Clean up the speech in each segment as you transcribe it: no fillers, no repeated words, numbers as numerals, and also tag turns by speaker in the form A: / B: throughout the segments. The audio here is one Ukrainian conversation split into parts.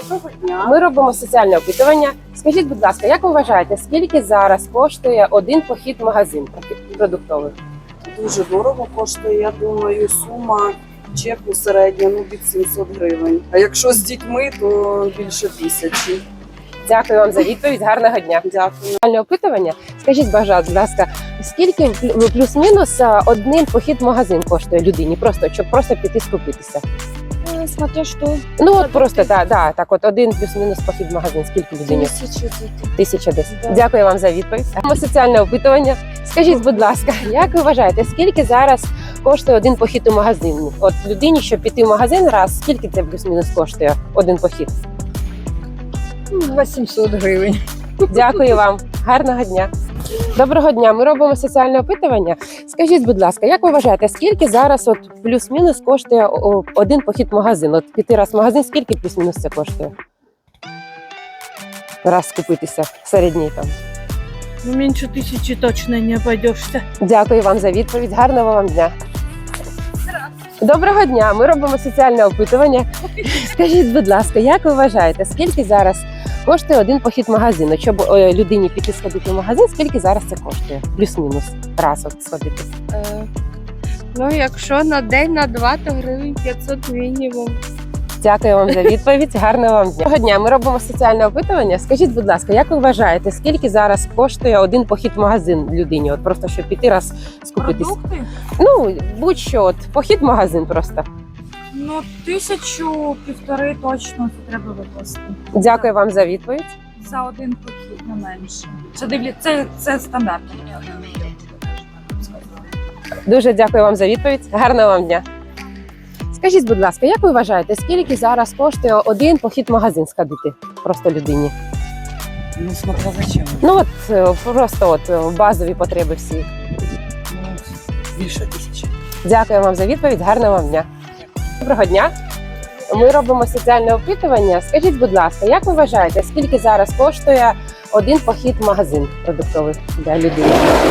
A: Доброго дня.
B: Ми робимо соціальне опитування. Скажіть, будь ласка, як ви вважаєте, скільки зараз коштує один похід в магазин продуктовий?
A: Дуже дорого коштує, я думаю, сума чеку середня від 700 гривень. А якщо з дітьми, то більше 1000.
B: Дякую вам за відповідь. Гарного дня.
A: Дякую.
B: Соціальне опитування. Скажіть, будь ласка, скільки плюс-мінус один похід в магазин коштує людині, щоб просто піти скупитися?
C: Смотря что.
B: Ну от просто так, от один плюс-мінус похід в магазин. Скільки людині? 1000 десь.
C: Да.
B: Дякую вам за відповідь. Соціальне опитування. Скажіть, будь ласка, як ви вважаєте, скільки зараз коштує один похід у магазин? От людині, щоб піти в магазин раз, скільки це плюс-мінус коштує один похід?
C: 800 гривень.
B: Дякую вам. Гарного дня. Доброго дня. Ми робимо соціальне опитування. Скажіть, будь ласка, як ви вважаєте, скільки зараз от плюс-мінус коштує один похід в магазин? От піти раз в магазин, скільки плюс-мінус це коштує? Раз скупитися, середній там.
D: Ну, меньше 1000 точно не обойдешься.
B: Дякую вам за відповідь. Гарного вам дня. Доброго дня. Ми робимо соціальне опитування. Скажіть, будь ласка, як ви вважаєте, скільки зараз коштує один похід в магазин? От щоб людині піти сходити в магазин, скільки зараз це коштує? Плюс-мінус. Раз от сходити.
C: Ну, якщо на день, на два, то гривень 500 мінімум.
B: Дякую вам за відповідь. Гарного вам дня. Доброго дня. Ми робимо соціальне опитування. Скажіть, будь ласка, як ви вважаєте, скільки зараз коштує один похід в магазин людині? От просто щоб піти раз скупитись.
D: Продукти?
B: Ну, будь-що, от похід в магазин просто.
D: Ну, 1000-1500 точно це треба викласти.
B: Дякую вам за відповідь.
D: За один похід, не менше. Це стандартно.
B: Дуже дякую вам за відповідь. Гарного вам дня. Скажіть, будь ласка, як ви вважаєте, скільки зараз коштує один похід в магазин сходити просто людині?
A: Ну, смотря зачем.
B: Ну от просто базові потреби всі.
A: Ну, більше 1000.
B: Дякую вам за відповідь. Гарного вам дня. Доброго дня. Ми робимо соціальне опитування. Скажіть, будь ласка, як ви вважаєте, скільки зараз коштує один похід в магазин продуктовий для людини?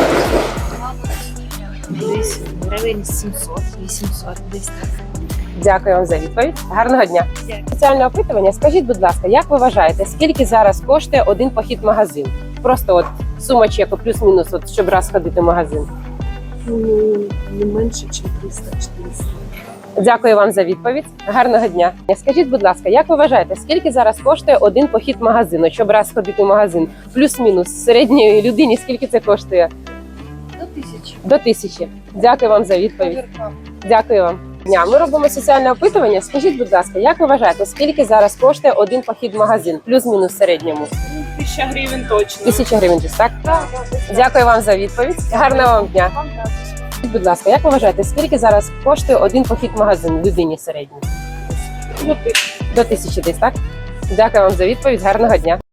C: Десь гривень 700-800 десь.
B: Дякую вам за відповідь. Гарного дня. Соціальне опитування. Скажіть, будь ласка, як ви вважаєте, скільки зараз коштує один похід в магазин? Просто от сума чеку плюс-мінус, от, щоб раз ходити в магазин.
A: Ну, не менше, ніж 300-400.
B: Дякую вам за відповідь. Гарного дня. Скажіть, будь ласка, як ви вважаєте, скільки зараз коштує один похід в магазин, от, щоб раз ходити в магазин? Плюс-мінус середньої людині, скільки це коштує?
C: До 1000.
B: До 1000. Дякую вам за відповідь. Дякую вам. Ми робимо соціальне опитування. Скажіть, будь ласка, як ви вважаєте, скільки зараз коштує один похід в магазин? Плюс-мінус в середньому.
D: 1000 гривень точно.
B: 1000 гривень, так? Дякую вам за відповідь. Гарного вам дня. Скажіть, будь ласка, як ви вважаєте, скільки зараз коштує один похід в магазин людині середній? До 1000 десь, так? Дякую вам за відповідь. Гарного дня.